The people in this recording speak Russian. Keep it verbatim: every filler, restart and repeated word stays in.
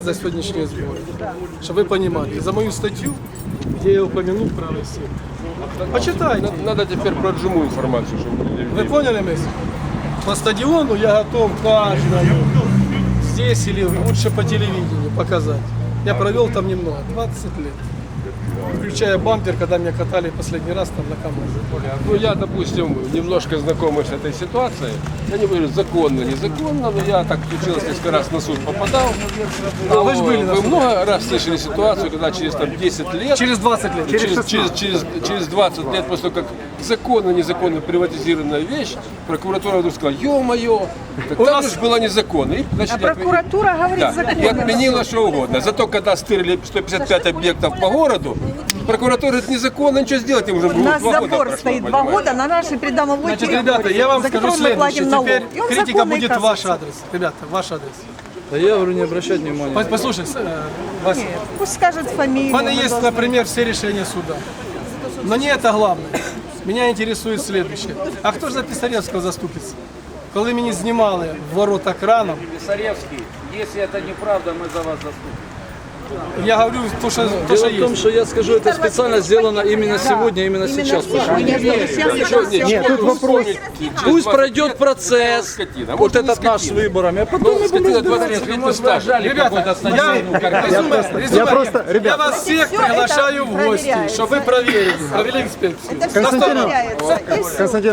За сегодняшние сборы, чтобы вы понимали, за мою статью, где я упомянул правый сектор. Почитай. Надо, надо теперь про Джиму информацию, чтобы люди... Вы поняли, мысль? По стадиону я готов каждому здесь или лучше по телевидению показать. Я провел там немного, двадцать лет. Включая бампер, когда меня катали последний раз там на КамАЗе. Ну, я, допустим, немножко знакомый с этой ситуацией. Я не говорю, законно, незаконно, но я так случилось, несколько раз на суд попадал. А вы же были на Вы суде. много раз слышали ситуацию, когда через там, десять лет... Через двадцать лет. Через, через, через, через двадцать лет после того, как законно, незаконно приватизированная вещь, прокуратура вдруг сказала, ё-моё, так У там нас- же было незаконно. И, значит, А прокуратура говорит да, законно. и отменила что угодно. Зато когда стырили сто пятьдесят пять объектов по городу, прокуратура говорит, незаконно, ничего сделать им уже У нас два года забор прошло, стоит два понимаете? года на нашей придомовой Значит, территории, ребята, я вам за скажу которую мы платим следующее. налог. Теперь И он критика законный, будет в ваш оказывается. адрес. Ребята, ваш адрес. Да я говорю, не обращать внимания. Пос- Послушай, э, Вася, Пусть скажет фамилию. у меня мы есть, должны- например, все решения суда. Но не это главное. Меня интересует следующее. А хто ж за Писаревського заступиться? Коли мені знімали в ворота краном, Писаревский, если это неправда, мы за вас заступим. я говорю то, что, то, Дело что в том, есть. что я скажу, это специально сделано именно сегодня, именно Именно сейчас. сегодня. Сейчас Ничего, всё. ничего, тут вопрос. Пусть пройдет процесс, Скотина. вот Может, этот не наш с скотина. выборами, а потом Ну, мы будем скотина разбираться. двадцать лет на стаж. Ребята, я, резюме, резюме. Я просто, Я ребят, вас всех Всё это приглашаю в гости, проверяется. чтобы вы проверили, провели инспекцию. Это все Константин- проверяется. И Константин